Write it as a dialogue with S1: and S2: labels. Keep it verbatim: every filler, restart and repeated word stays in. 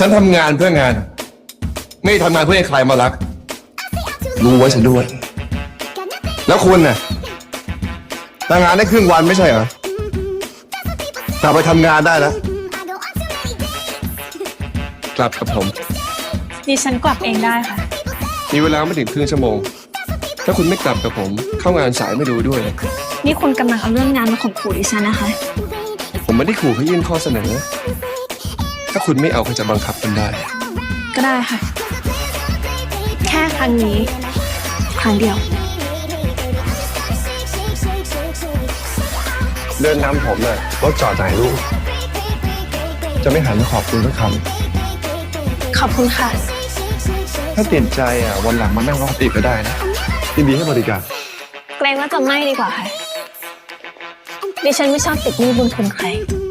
S1: ฉันทำงานเพื่องาน ไม่ทำงานเพื่อให้ใครมารักรู้ไว้ฉันด้วย แล้วคุณน่ะทำงานได้ครึ่งวันไม่ใช่เหรอกลับไปทำงานได้แล้วกลับกับผม
S2: ดิฉันกลับเองได้ค่ะ
S1: มีเวลาไม่ถึงครึ่งชั่วโมงถ้าคุณไม่กลับกับผม เข้างานสายไม่ดูด้วย
S2: นี่คุณกำลังเอาเรื่องงานมาข่มขู่ดิฉันนะคะ
S1: ผมไม่ได้ขู่ให้ยื่นข้อเสนอ ถ้าคุณไม่เอาก็จะบังคับคุณได้
S2: ก็ได้ค่ะ แค่ครั้งนี้ ครั้งเดียว
S1: เดินนำผมน่ะรถจอดไหนลูกจะไม่หันมาขอบคุณสักค
S2: ขอบคุณค่ะ
S1: ำถ้าเปลี่ยนใจอ่ะวันหลังมานั่งรอติดก็ได้นะยินดีให้บริการ
S2: เกรงว่าจะไม่ดีกว่าค่ะ ดิฉันไม่ชอบติดหนี้บุญคุณใคร